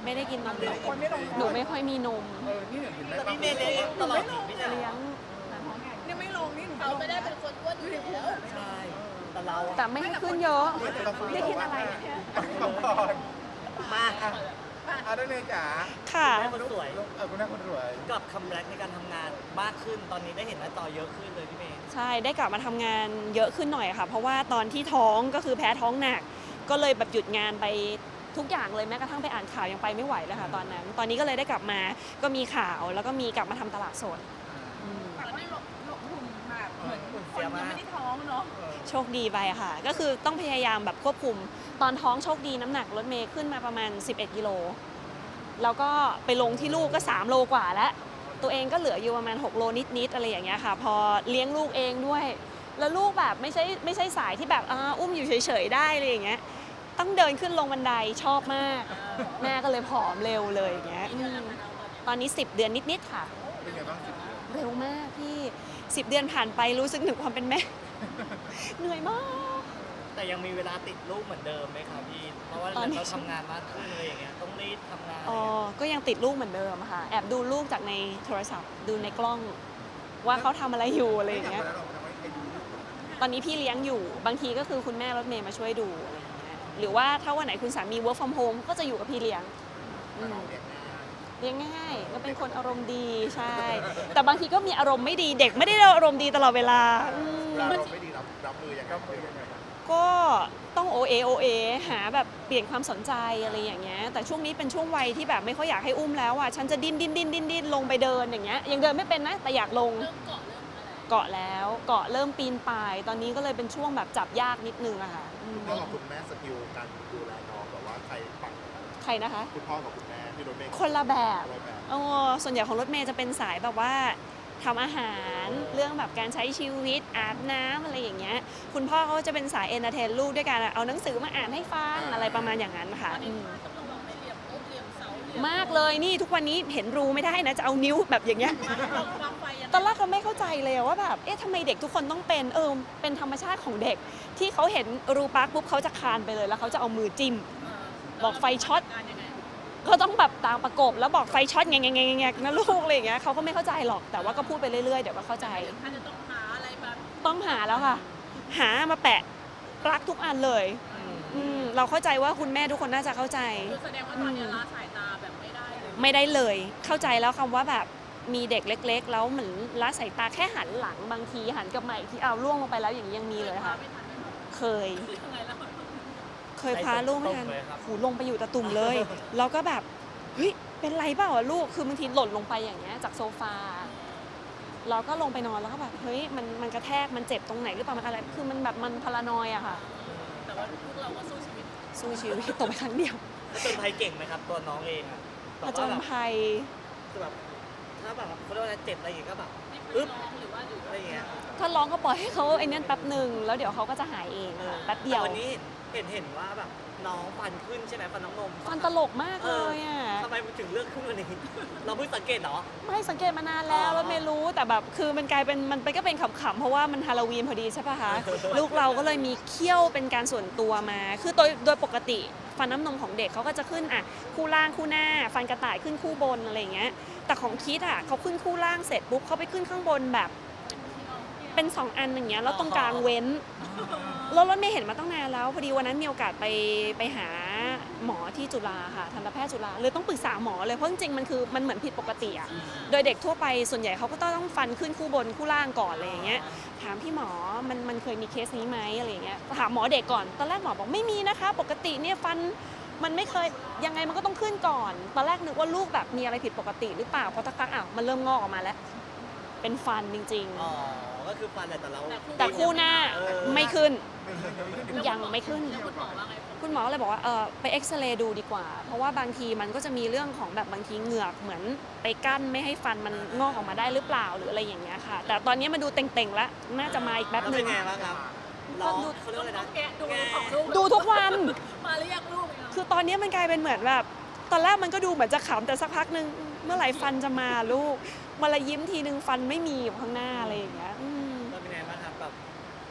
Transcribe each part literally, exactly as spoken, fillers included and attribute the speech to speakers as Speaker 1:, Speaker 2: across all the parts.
Speaker 1: ไม่ได้กินนมเลย
Speaker 2: คนไม่ลง
Speaker 1: หนูไม่ค่อยมีนม
Speaker 2: เออนี่เห็นไหม
Speaker 3: แต่พี่เมย์เลี้ยงตลอดพี่จ๋า
Speaker 1: เลี้ยง
Speaker 2: นี่ไม่ลงนี่หนู
Speaker 4: เขาไม่ได้เป็นคนอ้วนอยู่แล้ว
Speaker 3: ใช่แต่เรา
Speaker 1: แต่ไม่ให้ขึ้นเยอะ
Speaker 2: ได้กินอะไรเนี่ยก่อน
Speaker 3: มา
Speaker 2: เอาได้เลยจ๋า
Speaker 1: ค่ะ
Speaker 3: แม่คนสวย
Speaker 2: เออคุณแม่คนรวย
Speaker 3: กับคัมแบ็กในการทำงานมากขึ้นตอนนี้ได้เห็นหน้าจอเยอะขึ้นเลยพี่เมย์
Speaker 1: ใช่ได้กลับมาทำงานเยอะขึ้นหน่อยค่ะ เพราะว่าตอนที่ท้องก็คือแพ้ท้องหนัก ก็เลยแบบหยุดงานไปทุกอย่างเลยแม้กระทั่งไปอ่านข่าวยังไปไม่ไหวเลยค่ะตอนนั้น ตอนนี้ก็เลยได้กลับมาก็มีข่าวแล้วก็มีกลับมาทำตลาดสดอืม
Speaker 4: แต่ว่าหลบหลบหุ่นแบบเหมือนคนยังไม่ได้ท้องเนาะ
Speaker 1: โชคดีไปค่ะ ก็คือต้องพยายามแบบควบคุม ตอนท้องโชคดีน้ำหนักรถเมย์ขึ้นมาประมาณสิบเอ็ดกิโลแล้วก็ไปลงที่ลูกก็สามโลกว่าแล้วตัวเองก็เหลืออยู่ประมาณหกโลนิดๆอะไรอย่างเงี้ยค่ะพอเลี้ยงลูกเองด้วย แล้วลูกแบบไม่ใช่ไม่ใช่สายที่แบบอ่าอุ้มอยู่เฉยๆได้อะไรอย่างเงี้ยต้องเดินขึ้นลงบันไดชอบมาก แม่ก็เลยผอมเร็วเลยอย่างเงี้ยอืมตอนนี้สิบเดือนนิดๆค่ะ
Speaker 2: เป็นไงบ้างสิ
Speaker 1: เร็วมากพี่สิบเดือนผ่านไปรู้สึกถึงความเป็นแม่ เหนื่อยมาก
Speaker 3: แต่ยังมีเวลาติดลูกเหมือนเดิมไหมคะพี่เพราะว่า
Speaker 1: ตอนนี้
Speaker 3: เราทำงานมากขึ้นเลยอย่างเงี้ยต้องรีบทำงาน
Speaker 1: อ๋อก็ยังติดลูกเหมือนเดิมค่ะ แอบดูลูกจากในโทรศัพท์ ดูในกล้อง ว่าเขาทำอะไรอยู่อะไรอย่างเงี้ย ตอนนี้พี่เลี้ยงอยู่ บางทีก็คือคุณแม่รถเมย์มาช่วยดูอะไรอย่างเงี้ย หรือว่าถ้าวันไหนคุณสามี work from home ก็จะอยู่กับพี่เลี้ยงอืมเลี้ยงง่ายก็เป็นคนอารมณ์ดีใช่ แต่บางทีก็มีอารมณ์ไม่ดี เด็กไม่ได้อารมณ์ดีตลอดเวลาอืม
Speaker 2: เราไม่ดีรับรับมือยังไงรับมือยังไง
Speaker 1: ก็ต้องโอเอโอเอหาแบบเปลี่ยนความสนใจอะไรอย่างเงี้ยแต่ช่วงนี้เป็นช่วงวัยที่แบบไม่ค่อยอยากให้อุ้มแล้วอ่ะฉันจะดิ้นดิ้นดิ้นดิ้นดิ้นลงไปเดินอย่างเงี้ยยังเดินไม่เป็นนะแต่อยากลง
Speaker 4: เริ่มเกาะเริ่มอะไร
Speaker 1: เกาะแล้วเกาะเริ่มปีนป่าย ตอนนี้ก็เลยเป็นช่วงแบบจับยากนิดนึงอะค่ะอืม
Speaker 2: พ่อกับคุณแม่สกิลการดูแลน้องแบบว่าใครปัง
Speaker 1: ใครนะคะ
Speaker 2: คุณพ่อกับคุณแม่ที่รถเมย์
Speaker 1: คนละแบบ
Speaker 2: อะไรแบบ
Speaker 1: โอ้ส่วนใหญ่ของรถเมย์จะเป็นสายแบบว่าทำอาหารเรื่องแบบการใช้ชีวิตอาบน้ำอะไรอย่างเงี้ยคุณพ่อเขาจะเป็นสายเอนเตอร์เทนลูกด้วยการเอาหนังสือมาอ่านให้ฟังอะไรประมาณอย่างนั้นค่ะอืม
Speaker 4: ต้องระวังไม่เหลี่ยมโต๊ะเหลี่ยมเสาเหลี่ยม
Speaker 1: มากเลยนี่ทุกวันนี้เห็นรูไม่ได้นะจะเอานิ้วแบบอย่างเงี้ย
Speaker 4: วางไฟยัง
Speaker 1: ตอนแรกก็ไม่เข้าใจเลยว่าแบบเอ๊ะทำไมเด็กทุกคนต้องเป็นเออเป็นธรรมชาติของเด็ก ที่เขาเห็นรูปลักปุ๊บเขาจะคลานไปเลยแล้วเขาจะเอามือจิ้ม บอกไฟช็อต
Speaker 4: การยังไง
Speaker 1: ก็ต้องแบบตามประกบแล้วบอกไฟช็อตแงงแงงแงนะลูกอะไรอย่างเงี้ยเขาก็ไม่เข้าใจหรอกแต่ว่าก็พูดไปเรื่อยๆเดี๋ยวก็เข้าใจ
Speaker 4: ถ้าจะต้องหาอะไรแบบ
Speaker 1: ต้องหาแล้วค่ะ หามาแปะปลั๊กทุกอันเลยอืมเราเข้าใจว่าคุณแม่ทุกคนน่าจะเข้าใจ
Speaker 4: คือแสดงว่าตอนนี้ละสายตาแบบไม่ได้เลย
Speaker 1: ไม่ได้เลย เข้าใจแล้วคำว่าแบบมีเด็กเล็ก ๆ แล้วเหมือนละสายตาแค่หันหลังบางทีหันกลับมาอีกทีเอาล่วงลงไปแล้วอย่างนี้ยังมีเลยค่ะ
Speaker 4: ไม่ทันไม่ทัน
Speaker 1: เคย
Speaker 4: ยังไงแล้ว
Speaker 1: เคยพาลูกไม่ทันหูลงไปอยู่ตะตุ่มเลย แล้วก็แบบเฮ้ยเป็นไรเปล่าอะลูกคือบางทีหล่นลงไปอย่างเงี้ยจากโซฟาเราก็ลงไปนอนแล้วก็แบบเฮ้ยมันมันกระแทกมันเจ็บตรงไหนหรือเปล่ามันอะไรคือมันแบบมันพารานอยอะค่ะ
Speaker 4: แต่ว่าพวกเราก็สู้ชีวิต
Speaker 1: สู้ชีวิตตกไปครั้งเดียว
Speaker 3: ผจญภัยเก่งไหมครับตัวน้องเองอะ
Speaker 1: ผจญภัย
Speaker 3: คือแบบถ้าแบบเขาเรียกว่าอะไรเจ็บอะไรอย่างเงี้ยก็แบบ
Speaker 4: ไม่เค
Speaker 3: อึ๊
Speaker 4: ย
Speaker 3: บ
Speaker 4: ร้องหรือว่าหรือ
Speaker 3: อะไรอย่างเงี้ย
Speaker 1: ถ้าร้องก็ปล่อยให้เขาไอ้นั่นแป๊บหนึ่งแล้วเดี๋ยวเขาก็จะหายเองแป๊บเดียว
Speaker 3: แต่วันนี้เห็นเห็นว่าแบบน้องฟันขึ้นใช่ไหมฟันน้องนม
Speaker 1: ฟันตลกมากเลยอ่ะ
Speaker 3: ทำไมมันถึงเลือกขึ้นวันนี้ เราเพิ่งสังเกตเหรอ
Speaker 1: ไม่สังเกตมานานแล้วแล้วไม่รู้แต่แบบคือมันกลายเป็นมันเป็นก็เป็นขำๆเพราะว่ามันฮาโลวีนพอดีใช่ปะคะ ลูกเราก็เลยมีเขี้ยวเป็นการส่วนตัวมา คือโดยโดยปกติฟันน้ำนมของเด็กเขาก็จะขึ้นอ่ะคู่ล่างคู่หน้า ฟันกระต่ายขึ้นคู่บนอะไรอย่างเงี้ยแต่ของคิดอ่ะเขาขึ้นคู่ล่างเสร็จปุ๊บเขาไปขึ้นข้างบนแบบเป็นสองอันอย่างเงี้ยแล้วตรงกลางเว้นแล้วรถเมย์เห็นมาตั้งนานแล้วพอดีวันนั้นมีโอกาสไปไปหาหมอที่จุฬาค่ะทันตแพทย์จุฬาเลยต้องปรึกษาหมอเลยเพราะจริงๆมันคือมันเหมือนผิดปกติอ่ะโดยเด็กทั่วไปส่วนใหญ่เขาก็ต้องฟันขึ้นคู่บนคู่ล่างก่อนอะไรอย่างเงี้ยถามพี่หมอมันมันเคยมีเคสนี้ไหมอะไรอย่างเงี้ยถามหมอเด็กก่อนตอนแรกหมอบอกไม่มีนะคะปกติเนี่ยฟันมันไม่เคยยังไงมันก็ต้องขึ้นก่อนตอนแรกนึกว่าลูกแบบมีอะไรผิดปกติหรือเปล่าเพราะสักพักอ้าวมันเริ่มงอกออกมาแล้วเป็นฟันจริงๆ
Speaker 3: อ๋อ ก็คือฟันแหละแต่เรา
Speaker 1: แต่คู่หน้าไม่ขึ้น
Speaker 2: ไม่
Speaker 1: ยังไม่ขึ้น
Speaker 4: คุณหมอว่าไง
Speaker 1: คุณหมอเลยบอกว่าเออไปเอ็กซเรย์ดูดีกว่า เพราะว่าบางทีมันก็จะมีเรื่องของแบบบางทีเหงือกเหมือนไปกั้นไม่ให้ฟันมันงอกออกมาได้หรือเปล่าหรืออะไรอย่างเงี้ยค่ะ แต่ตอนนี้มาดูเต่งๆแล้วน่าจะมาอีกแป๊บ
Speaker 3: แล้ว
Speaker 1: ห
Speaker 3: เป็
Speaker 1: นึ่
Speaker 3: น
Speaker 1: ง
Speaker 3: ไงบ้างครับร้องเขาเรียกว่าอะไรนะ
Speaker 4: แกะดูของลูก
Speaker 1: ดูทุกวัน
Speaker 4: มาเรียกลูกเนี่ย
Speaker 1: คือตอนนี้มันกลายเป็นเหมือนแบบตอนแรกมันก็ดูเหมือนจะขำแต่สักพักหนึ่งเมื่อไหร่ฟันจะมาลูกมาละยิ้มทีนึงฟันไม่มีอยู่ข้างหน้าอะไรอย่างเงี้ยอืม
Speaker 3: แล้วเป็นไงบ้างครับแบบ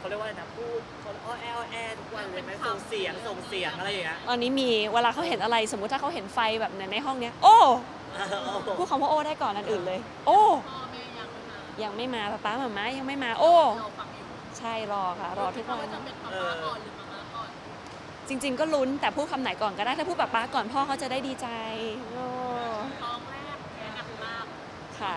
Speaker 3: เขาเรียกว่าอะไรนะพูดเขาอ้อแออ้อแอทุกวันเลยไหมส่งเสียงส่งเสียงอะไรอย่างเงี้ย
Speaker 1: ตอนนี้มีเวลาเขาเห็นอะไรสมมุติถ้าเขาเห็นไฟแบบในห้องเนี้ยโอ้พูดคำว่าโอ้ได้ก่อนอันอื่นเลย โอ้ยังไม่มาป๊าป๊าหม่าม้ายังไม่มาโอ้ใช่รอค่ะ รอทุกวัน
Speaker 3: เออ
Speaker 1: จริง ๆ ก็ลุ้นแต่พูดคำไหนก่อนก็ได้ถ้าพูดป๊าป๊าก่อนพ่อเขาจะได้ดีใจโอ้ค่ะ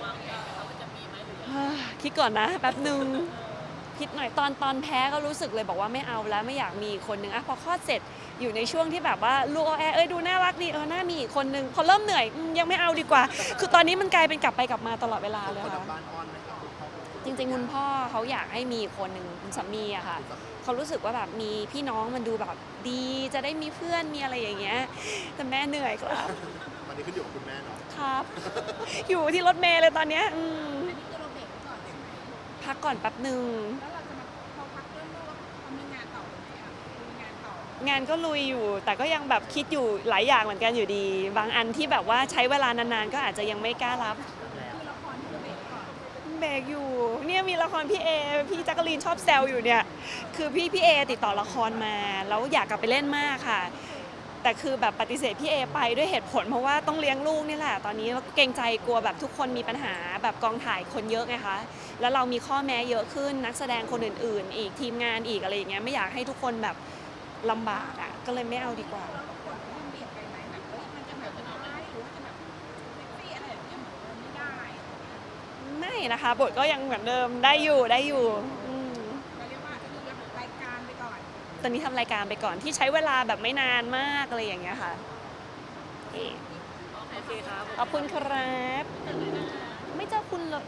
Speaker 1: คิดก่อนนะแป๊บหนึ่งคิดหน่อยตอนตอนแพ้ก็รู้สึกเลยบอกว่าไม่เอาแล้วไม่อยากมีอีกคนนึงอะพอคลอดเสร็จอยู่ในช่วงที่แบบว่าลูกแอเอ้ยดูน่ารักดีเออน่ามีอีกคนนึงพอเริ่มเหนื่อยอืมยังไม่เอาดีกว่า คือตอนนี้มันกลายเป็นกลับไปกลับมาตลอดเวลาเลย
Speaker 2: คน
Speaker 1: ค่ะ
Speaker 2: ทางบ้านอ้อนไหมครับคุณพ่อ
Speaker 1: จริงๆคุณพ่อเขาอยากให้มีอีกคนหนึ่งคุณสามีอะค่ะเขารู้สึกว่าแบบมีพี่น้องมันดูแบบดีจะได้มีเพื่อนมีอะไรอย่างเงี้ยแต่แม่เหนื่อยครับ
Speaker 2: วันนี้ขึ้นอยู่กับคุณแม่เนาะ
Speaker 1: ครับ อยู่ที่รถเมล์เลยตอนเนี้ยอืม
Speaker 4: อันนี้คือเราเบรกไว้ก่อนใช่ไหม
Speaker 1: พักก่อนแป๊บหนึ่ง
Speaker 4: แล้วเราจะมาพอพักเรื่องลูกแล้วเขามีงานต่อไหมอ่ะมีงานต่อ
Speaker 1: งานก็ลุยอยู่ แต่ก็ยังแบบคิดอยู่หลายอย่างเหมือนกันอยู่ดี บางอันที่แบบว่าใช้เวลานานๆ ก็อาจจะยังไม่กล้ารับ
Speaker 4: คือละครที่เราเบรกก่อน
Speaker 1: เบรกอยู่เนี่ยมีละครพี่เอพี่แจักรีนชอบแซวอยู่เนี่ยคือพี่พี่เอติดต่อละครมาแล้วอยากกลับไปเล่นมากค่ะ แต่คือแบบปฏิเสธพี่เอไปด้วยเหตุผลเพราะว่าต้องเลี้ยงลูกนี่แหละตอนนี้เกรงใจกลัวแบบทุกคนมีปัญหาแบบกองถ่ายคนเยอะไงคะแล้วเรามีข้อแม้เยอะขึ้นนักแสดงคนอื่นๆ อีกทีมงานอีกอะไรอย่างเงี้ยไม่อยากให้ทุกคนแบบลำบากอ่ะก็เลยไม่เอาดีกว่า
Speaker 4: แล้วละครมันเบียดไปไหมแบบเฮ้ยมันจะแบบร้ายหรือว่าจะแบบเซ็กซี่อะไรแบบนี้เหมือนเดิมไม่ได้
Speaker 1: ไม่นะคะบทก็ยังเหมือนเดิมได้อยู่ได้อยู่อืม
Speaker 4: เราเรียกว่าคือรับรายการไปก่อน
Speaker 1: ตอนนี้ทำรายการไปก่อนที่ใช้เวลาแบบไม่นานมากอะไรอย่างเงี้ยค่ะโอเค
Speaker 3: โอเคครับ
Speaker 1: ขอบคุณครับ ไม่เจอคุณเลย